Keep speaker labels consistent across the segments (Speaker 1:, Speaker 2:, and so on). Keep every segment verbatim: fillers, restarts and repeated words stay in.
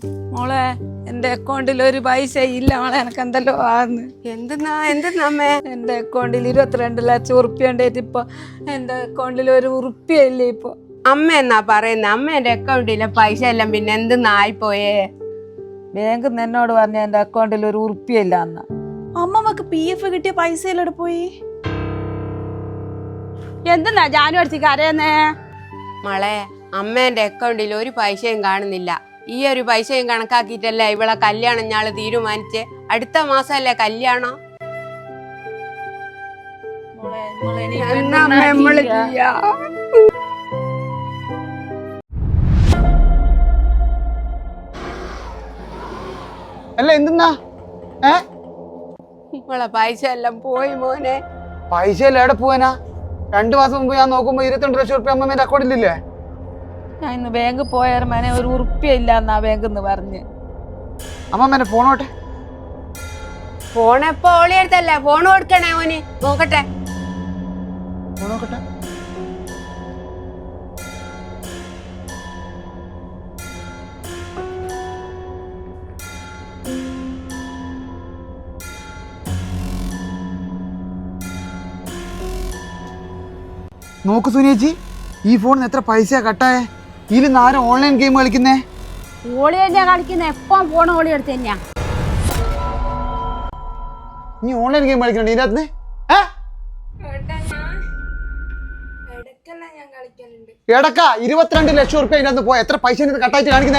Speaker 1: മോളെ എന്റെ അക്കൗണ്ടിൽ ഒരു പൈസ ഇല്ല മോളെ, എനക്ക് എന്തല്ലോ ആന്ന്.
Speaker 2: എന്തെന്നാ എന്തെന്നമ്മേ?
Speaker 1: എന്റെ അക്കൗണ്ടിൽ ഇരുപത്തിരണ്ട് ലക്ഷം ഉറുപ്പ്യ ഉണ്ടായിട്ട് ഇപ്പൊ എന്റെ അക്കൗണ്ടിൽ ഒരു ഉറുപ്പ്യ ഇല്ലേ ഇപ്പൊ.
Speaker 2: അമ്മ എന്നാ പറയുന്നത്? അമ്മേന്റെ അക്കൗണ്ടിലെ പൈസ എല്ലാം പിന്നെ എന്തെന്നായിപ്പോയേ?
Speaker 1: ബാങ്ക് എന്നോട് പറഞ്ഞ എന്റെ അക്കൗണ്ടിൽ ഒരു ഉറുപ്പ്യ ഇല്ല അന്ന.
Speaker 3: അമ്മമ്മക്ക് പി എഫ് കിട്ടിയ പൈസ എല്ലാം പോയി.
Speaker 4: എന്തെന്നാ ജാനു അടിച്ച് കരയുന്നേ?
Speaker 2: മോളെ, അമ്മേന്റെ അക്കൗണ്ടിൽ ഒരു പൈസയും കാണുന്നില്ല. ഈ ഒരു പൈസയും കണക്കാക്കിയിട്ടല്ലേ ഇവളെ കല്യാണം ഞാള് തീരുമാനിച്ചേ. അടുത്ത മാസമല്ലേ കല്യാണം.
Speaker 5: അല്ല എന്തെന്നാ ഏ
Speaker 2: ഇവളെ പൈസ എല്ലാം പോയി മോനെ.
Speaker 5: പൈസ എല്ലാം എവിടെ പോവാനാ? രണ്ടു മാസം മുമ്പ് ഞാൻ നോക്കുമ്പോ ഇരുപത്തിരണ്ട് ലക്ഷം റുപ്യ അമ്മേന്റെ അക്കൗണ്ടിലില്ലേ?
Speaker 1: ഞാൻ ഇന്ന് ബാങ്ക് പോയാലും മേനെ ഒരു ഉറുപ്പ്യ ഇല്ല എന്നാ ബാങ്ക് എന്ന് പറഞ്ഞ്.
Speaker 5: അമ്മമ്മേന്റെ ഫോണോട്ടെ.
Speaker 2: ഫോൺ എപ്പോ ഓളിയെടുത്തല്ലേ? ഫോൺ കൊടുക്കണേ മോന്, നോക്കട്ടെ.
Speaker 5: ഫോണോക്കട്ടെ. നോക്ക് സുനിയേച്ചി, ഈ ഫോണിന് എത്ര പൈസ കട്ടായേ? ഇതിൽ ആരും ഓൺലൈൻ ഗെയിം കളിക്കുന്നേ?
Speaker 4: ഓളി തന്നെയാ കളിക്കുന്ന, എപ്പം ഫോൺ ഓളി എടുത്ത് തന്നെയാ.
Speaker 5: നീ ഓൺലൈൻ ഗെയിം കളിക്കണോ ഇതിനകത്ത്? എടക്ക ഇരുപത്തിരണ്ട് ലക്ഷം റുപ്യ ഇതിനകത്ത് പോയ എത്ര പൈസ കട്ടായിട്ട് കാണിക്കുന്നേ?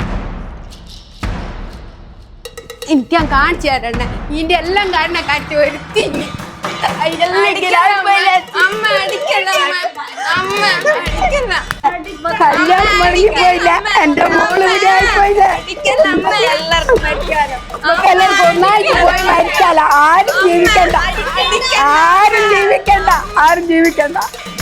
Speaker 2: എനിക്ക് ഞാൻ കാണിച്ചു തരണേ. ഇതിന്റെ എല്ലാം കാരണം കാണിച്ചു വരുത്തി.
Speaker 1: കല്യാണം മടങ്ങി പോയില്ല, എന്റെ മോള് എല്ലാവർക്കും ഒന്നായിട്ട് പോയി മരിച്ചാല. ആരും ജീവിക്കണ്ട, ആരും ജീവിക്കണ്ട, ആരും ജീവിക്കണ്ട.